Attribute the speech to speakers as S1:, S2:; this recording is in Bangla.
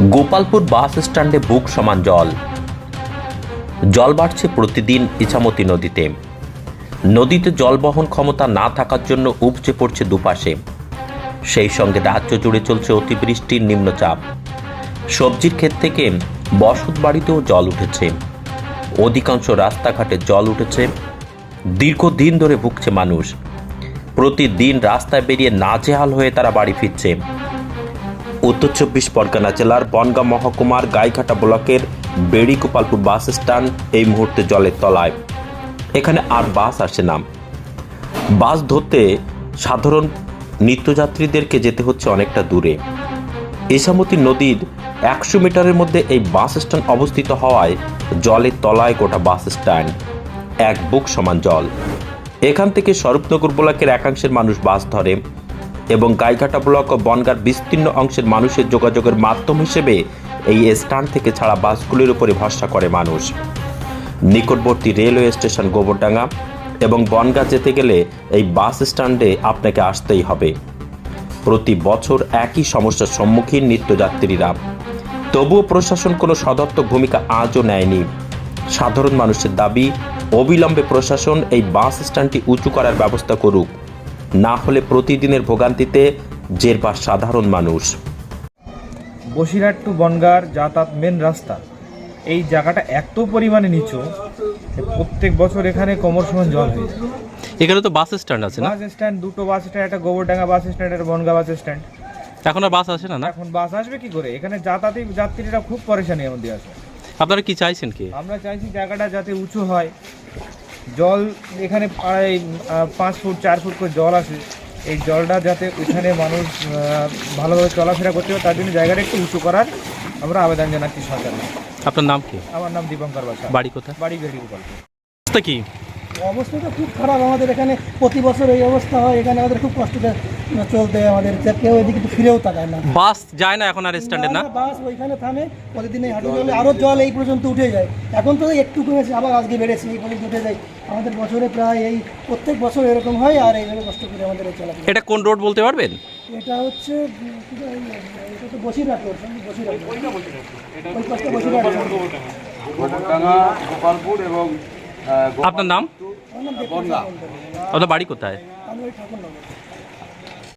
S1: গোপালপুর বাস স্ট্যান্ডে বুক সমান জল। জল বাড়ছে প্রতিদিন ইছামতি নদীতে। নদীতে জল বহন ক্ষমতা না থাকার জন্য উপচে পড়ছে দুপাশে। সেই সঙ্গে রাজ্য জুড়ে চলছে অতিবৃষ্টির নিম্নচাপ। সবজির ক্ষেত থেকে বসত বাড়িতেও জল উঠেছে। অধিকাংশ রাস্তাঘাটে জল উঠেছে। দীর্ঘদিন ধরে ভুগছে মানুষ। প্রতিদিন রাস্তায় বেরিয়ে নাজেহাল হয়ে তারা বাড়ি ফিরছে। উত্তর ২৪ পরগনা জেলার বনগাঁ মহকুমার গাইঘাটা ব্লকের বেড়ি গোপালপুর বাস স্ট্যান্ড এই মুহূর্তে জলের তলায়। এখানে আর বাস আসে না। বাস ধরতে সাধারণ নিত্যযাত্রীদেরকে যেতে হচ্ছে অনেকটা দূরে। ইছামতি নদীর ১০০ মিটারের মধ্যে এই বাস স্ট্যান্ড অবস্থিত হওয়ায় জলের তলায় গোটা বাস স্ট্যান্ড। এক বুক সমান জল। এখান থেকে স্বরূপনগর ব্লকের একাংশের মানুষ বাস ধরে এবং গাইঘাটা ব্লক ও বনগাঁর বিস্তীর্ণ অংশের মানুষের যোগাযোগের মাধ্যম হিসেবে এই স্ট্যান্ড থেকে ছাড়া বাসগুলির উপরে ভরসা করে মানুষ। নিকটবর্তী রেলওয়ে স্টেশন গোবরডাঙ্গা এবং বনগাঁ যেতে গেলে এই বাস স্ট্যান্ডে আপনাকে আসতেই হবে। প্রতি বছর একই সমস্যার সম্মুখীন নিত্যযাত্রীরা। তবুও প্রশাসন কোনো সদর্থক ভূমিকা আজও নেয়নি। সাধারণ মানুষের দাবি, অবিলম্বে প্রশাসন এই বাস স্ট্যান্ডটি উঁচু করার ব্যবস্থা করুক, না হলে প্রতিদিনের ভোগান্তিতে জেরবার সাধারণ মানুষ।
S2: বসিরহাট টু বনগাঁর যাতায়াত মেন রাস্তা, এই জায়গাটা এত পরিমাণে নিচু, প্রত্যেক বছর এখানে কোমর সমান জল হয়ে যায়।
S3: এখানে তো বাস স্ট্যান্ড আছে না?
S2: বাস স্ট্যান্ড, দুটো বাস স্ট্যান্ড, একটা গোবরডাঙ্গা বাস স্ট্যান্ড, একটা বনগাঁ বাস স্ট্যান্ড।
S3: এখন আর বাস আসে না?
S2: এখন বাস আসবে কি করে? এখানে যাত্রীরা খুব পরেশানির মধ্যে আছে।
S3: আপনারা কি চাইছেন কি?
S2: আমরা চাইছি জায়গাটা যাতে উঁচু হয়। জল এখানে প্রায় 5 ফুট 4 ফুট করে জল আসে। এই জলটা যাতে এখানে মানুষ ভালোভাবে চলাফেরা করতে পারে, তার জন্য জায়গাটা একটু উঁচু করার আমরা আবেদন জানাচ্ছি সরকারকে।
S3: আপনার নাম কি?
S2: আমার নাম দীপঙ্কর বাসা।
S3: বাড়ি কোথায়?
S2: বাড়ি বেড়ি গোপালপুর।
S3: অবস্থা কি?
S4: অবস্থাটা খুব খারাপ। আমাদের এখানে প্রতি বছর এই অবস্থা হয়। এখানে আমাদের খুব কষ্টটা চলতে হয়। আমাদের কেউ এদিকে তো ফিরেও তাকায় না।
S3: বাস যায় না এখন আর স্ট্যান্ডে? না,
S4: বাস ওইখানে থামে। প্রতিদিন এই হাঁটু জলে আরও জল এই পর্যন্ত উঠে যায়। এখন তো একটু কমেছে, আবার আজকে বেড়েছে, এই পর্যন্ত উঠে যায়। আমাদের বছরে প্রায় এই প্রত্যেক বছর এরকম হয়। আর এইভাবে কষ্ট করে আমাদের চলাফেরা।
S3: এটা কোন রোড বলতে পারবেন?
S4: এটা হচ্ছে এটা তো বসিরহাট রোড। বসিরহাট ওই পাশটা বসিরহাট
S5: গোপালপুর এবং
S3: আপনার নাম? আপনার বাড়ি কোথায়?
S4: আমরা ওই ঠাকুরনগর।